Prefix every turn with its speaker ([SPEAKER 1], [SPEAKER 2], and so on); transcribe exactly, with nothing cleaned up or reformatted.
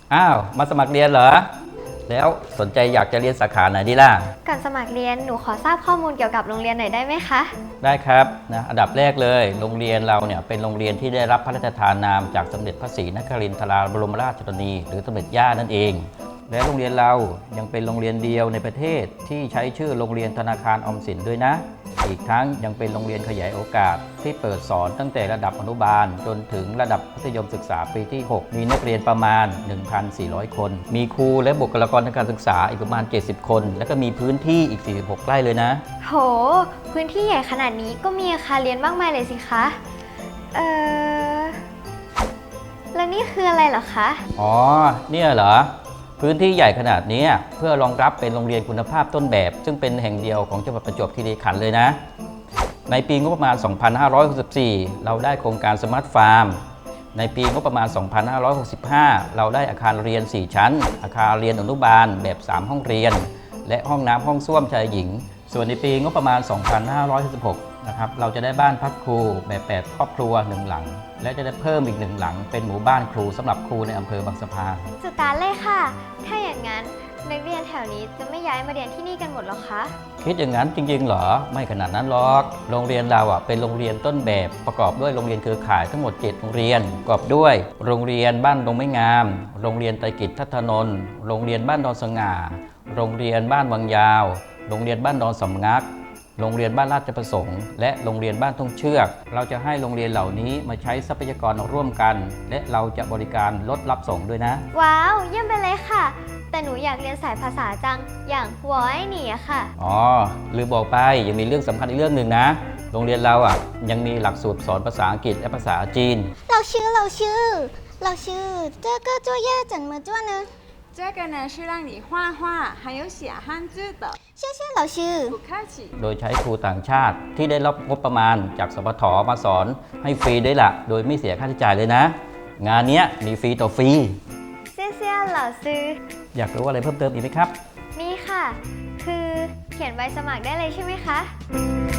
[SPEAKER 1] อ้าวมาสมัครเรียนเหรอแล้วสนใจอยากจะเรียนสาขาไหนดีล่ะ
[SPEAKER 2] ก่อนสมัครเรียนหนูขอทราบข้อมูลเกี่ยวกับโรงเรียนหน่อยได้ไหมคะ
[SPEAKER 1] ได้ครับนะอันดับแรกเลยโรงเรียนเราเนี่ยเป็นโรงเรียนที่ได้รับพระราชทานนามจากสมเด็จพระศรีนครินทราบรมราชชนนีหรือสมเด็จย่านั่นเองและโรงเรียนเรายังเป็นโรงเรียนเดียวในประเทศที่ใช้ชื่อโรงเรียนธนาคารออมสินด้วยนะอีกทั้งยังเป็นโรงเรียนขยายโอกาสที่เปิดสอนตั้งแต่ระดับอนุบาลจนถึงระดับมัธยมศึกษาปีที่หกมีนักเรียนประมาณ หนึ่งพันสี่ร้อย คนมีครูและบุคลากรทางการศึกษาอีกประมาณเจ็ดสิบคนแล้วก็มีพื้นที่อีกสี่สิบหกไร่เลยนะ
[SPEAKER 2] โหพื้นที่ใหญ่ขนาดนี้ก็มีอาคารเรียนมากมายเลยสิคะเออแล้วนี่คืออะไรเหรอคะ
[SPEAKER 1] อ๋อเนี่ยเหรอพื้นที่ใหญ่ขนาดนี้เพื่อรองรับเป็นโรงเรียนคุณภาพต้นแบบซึ่งเป็นแห่งเดียวของจังหวัดประจวบคีรีขันธ์เลยนะในปีงบประมาณ สองพันห้าร้อยหกสิบสี่ เราได้โครงการสมาร์ทฟาร์มในปีงบประมาณ สองพันห้าร้อยหกสิบห้า เราได้อาคารเรียน สี่ ชั้นอาคารเรียนอนุบาลแบบ สาม ห้องเรียนและห้องน้ำห้องส้วมชายหญิงส่วนในปีงบประมาณ สองพันห้าร้อยหกสิบหก นะครับเราจะได้บ้านพักครูแบบแปดครอบครัวหนึ่งหลังและจะได้เพิ่มอีกหนึ่งหลังเป็นหมู่บ้านครูสำหรับครูในอำเภอบางสะพาน
[SPEAKER 2] สุดตาเลยค่ะถ้าอย่างนั้นนักเรียนแถวนี้จะไม่ย้ายมาเรียนที่นี่กันหมดหรอคะ
[SPEAKER 1] คิดอย่างนั้นจริงๆเหรอไม่ขนาดนั้นหรอกโรงเรียนเราอ่ะเป็นโรงเรียนต้นแบบประกอบด้วยโรงเรียนเครือข่ายทั้งหมดเจ็ดโรงเรียนประกอบด้วยโรงเรียนบ้านดงไม้งามโรงเรียนไตรกิจทัตนนท์โรงเรียนบ้านดอนสง่าโรงเรียนบ้านวังยาวโรงเรียนบ้านดอนสำงักโรงเรียนบ้านราชประสงค์และโรงเรียนบ้านทุ่งเชือกเราจะให้โรงเรียนเหล่านี้มาใช้ทรัพยากรร่วมกันและเราจะบริการรถรับส่งด้วยนะ
[SPEAKER 2] ว้าวเยี่ยมไปเลยค่ะแต่หนูอยากเรียนสายภาษาจังอย่างหัวไอ้หนีอะค่ะ
[SPEAKER 1] อ๋อลืมบอกไปยังมีเรื่องสำคัญอีกเรื่องหนึ่งนะโรงเรียนเราอ่ะยังมีหลักสูตรสอนภาษาอังกฤษและภาษาจีน
[SPEAKER 3] เราชื่อเราชื่อเราชื่อ这个作业怎么做呢
[SPEAKER 4] 这个呢是让你画画还有写汉字的
[SPEAKER 3] 谢谢老师
[SPEAKER 4] 不客气
[SPEAKER 1] โดยใช้ครูต่างชาติที่ได้รับงบประมาณจากสปทมาสอนให้ฟรีด้วยล่ะโดยไม่เสียค่าใช้จ่ายเลยนะงานนี้มีฟรีต่อฟรี
[SPEAKER 2] เซี่ยเซี่ยเหล่าซื้อ
[SPEAKER 1] อยากรู้อะไรเพิ่มเติมอีกไหมครับ
[SPEAKER 2] มีค่ะคือเขียนใบสมัครได้เลยใช่ไหมคะ